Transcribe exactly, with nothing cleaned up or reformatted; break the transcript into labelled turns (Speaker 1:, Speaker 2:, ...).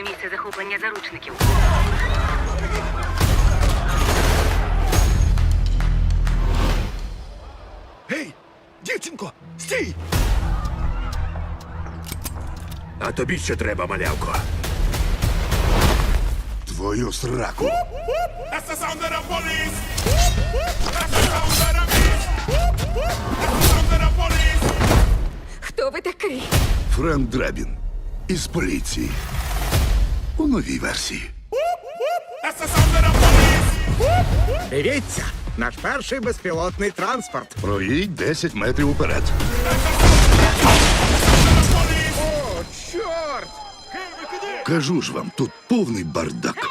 Speaker 1: місце захоплення заручників.
Speaker 2: Гей, дівчинко, стій! А тобі що треба, малявко? Твою сраку.
Speaker 3: That's the sound of the police. That's the sound of the beast. That's the sound of the police.
Speaker 1: Хто ви такий?
Speaker 2: Френк Драбін із поліції. У новій версії.
Speaker 3: That's the sound of the police.
Speaker 4: Дивіться, наш перший безпілотний транспорт.
Speaker 2: Проїдь десять метрів уперед.
Speaker 4: О, чорт!
Speaker 2: Кажу ж вам, тут повний бардак.